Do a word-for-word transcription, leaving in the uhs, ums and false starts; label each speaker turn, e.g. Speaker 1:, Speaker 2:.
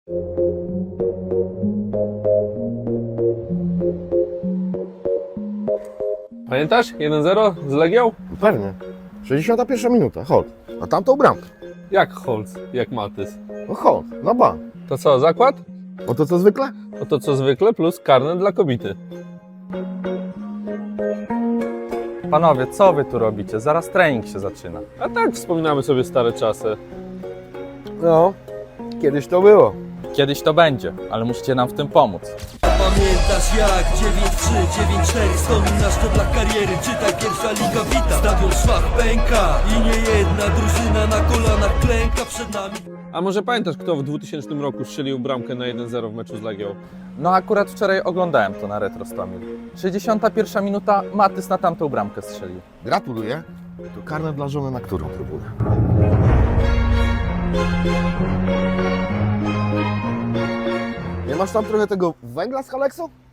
Speaker 1: Pamiętasz? jeden zero z Legią?
Speaker 2: Pewnie. sześćdziesiąta pierwsza minuta, hold. A tamtą bramkę.
Speaker 1: Jak Holz, jak Matys.
Speaker 2: No hold, na bank.
Speaker 1: To co, zakład?
Speaker 2: O to co zwykle?
Speaker 1: No to co zwykle plus karne dla kobiety.
Speaker 3: Panowie, co wy tu robicie? Zaraz trening się zaczyna.
Speaker 1: A tak wspominamy sobie stare czasy.
Speaker 2: No, kiedyś to było.
Speaker 3: Kiedyś to będzie, ale musicie nam w tym pomóc.
Speaker 4: Pamiętasz jak dziewięć trzy, dziewięć cztery wspominasz to dla kariery, czytaj pierwsza liga wita. Stadion szwach pęka i nie jedna drużyna na kolanach klęka przed nami.
Speaker 1: A może pamiętasz, kto w dwutysięcznym roku strzelił bramkę na jeden zero w meczu z Legią?
Speaker 3: No akurat wczoraj oglądałem to na Retro Stomil. sześćdziesiąta pierwsza minuta, Matys na tamtą bramkę strzelił.
Speaker 2: Gratuluję. To karne dla żony na którą trybunę? Nie masz tam trochę tego węgla z Halexą?